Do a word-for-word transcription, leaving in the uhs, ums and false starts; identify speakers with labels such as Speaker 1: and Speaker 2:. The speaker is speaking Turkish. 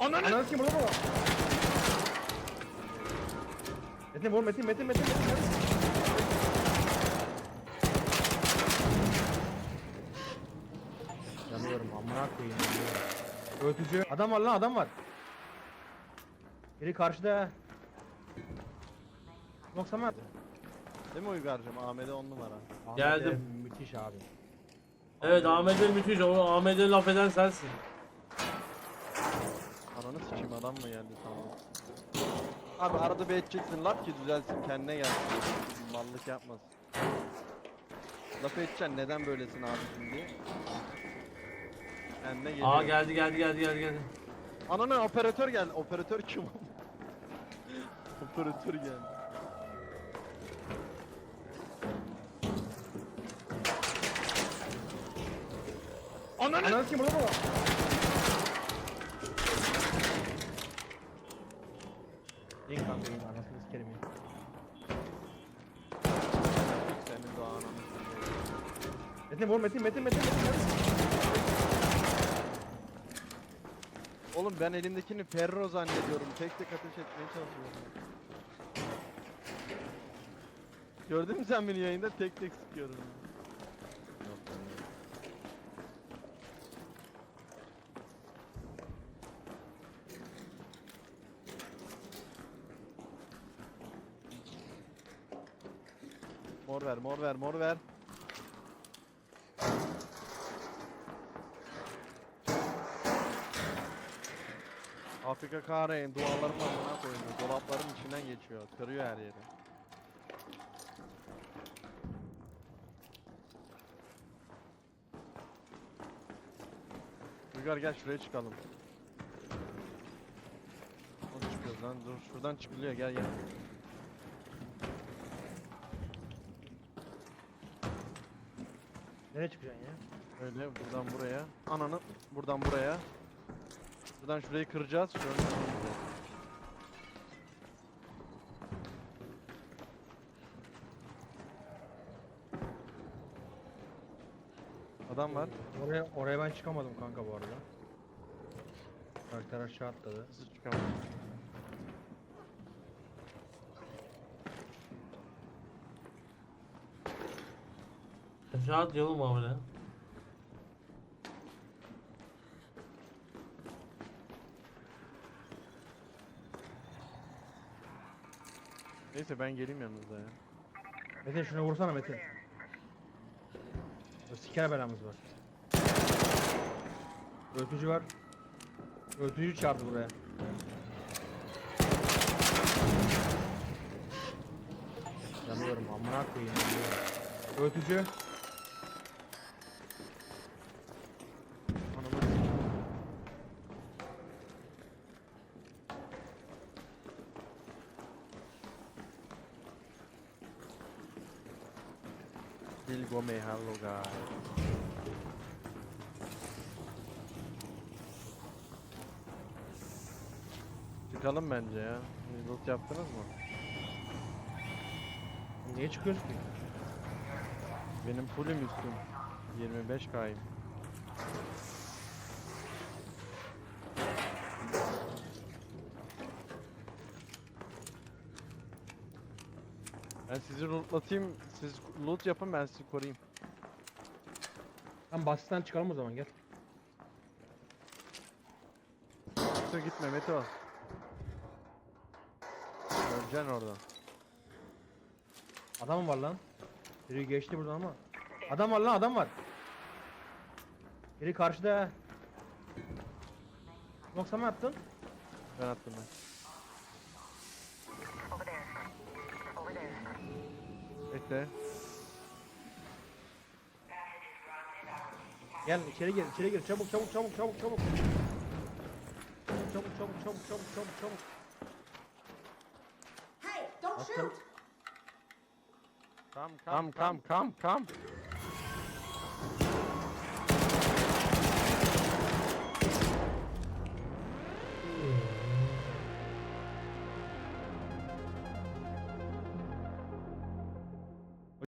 Speaker 1: Ananı! Ananı kim burada mı? Metin vur Metin Metin Metin Metin. Yanıyorum amına koyayım. Öğütücü. Adam var lan adam var. Biri karşıda. Yoksa mı?
Speaker 2: Değil mi Uygar'cığım? Ahmet'e on numara.
Speaker 3: Geldim.
Speaker 1: Ahmet'e müthiş abi.
Speaker 3: Evet Ahmet'e müthiş. O Ahmet'e laf eden sensin.
Speaker 2: Ananı sikeyim, adam mı geldi sandım. Abi arada bir edeceksin laf ki düzelsin, kendine gelsin. Mallık yapmasın. Laf edeceksin, neden böylesin abi diye. Kendine geliyor.
Speaker 3: Aa geldi geldi geldi geldi geldi.
Speaker 2: Ananı operatör geldi. Operatör kim? Operatör geldi.
Speaker 1: Ananı! Ananı kim burada mı? İn kanka in anasını sikerim in.
Speaker 2: Senin de ananı.
Speaker 1: Metin vur Metin Metin Metin Metin.
Speaker 2: Oğlum ben elimdekini Ferro zannediyorum. Tek tek ateş etmeye çalışıyorum. Gördün mü sen beni yayında tek tek sıkıyorum. Yok, mor ver, mor ver, mor ver. Afrika kahreyin duvarların altına koyuyor. Dolapların içinden geçiyor. Kırıyor her yeri. Uygar gel şuraya çıkalım. Nasıl çıkıyoruz lan? Dur şuradan çıkılıyor, gel gel.
Speaker 1: Nereye çıkacaksın ya?
Speaker 2: Öyle buradan buraya. Ananı buradan buraya. Buradan şurayı kıracağız. Şöyle kıracağız. Adam var.
Speaker 1: Oraya oraya ben çıkamadım kanka bu arada. Karakter aşağı atladı.
Speaker 2: Nasıl çıkamadım?
Speaker 3: Aşağı atlayalım mı Ahmet'e?
Speaker 2: Neyse ben geleyim yanınıza ya.
Speaker 1: Metin şuna vursana Metin. O siker belamız var. Öğütücü var. Öğütücü çarptı buraya. Yanıyorum amına koyayım. Öğütücü.
Speaker 2: Anamı Bill Gomez, hello guys. Çıkalım bence ya. Loot yaptınız mı?
Speaker 1: Niye çıkıyoruz ki?
Speaker 2: Benim fullüm üstüm. yirmi beş K'yım. Ben sizi lootlatayım, siz loot yapın, ben sizi koruyayım.
Speaker 1: Lan basitten çıkalım o zaman gel.
Speaker 2: Meto gitme Meto. Öleceksin orada.
Speaker 1: Adam var lan. Biri geçti buradan ama. Adam var lan adam var. Biri karşıda. Yoksa mı attın?
Speaker 2: Ben attım ben. Bekle.
Speaker 1: Gel içeri gir içeri gir çabuk çabuk çabuk çabuk çabuk. Çabuk çabuk çabuk çabuk çabuk çabuk çabuk.
Speaker 4: Hey, don't
Speaker 1: Atın.
Speaker 4: shoot!
Speaker 2: Come come come come come.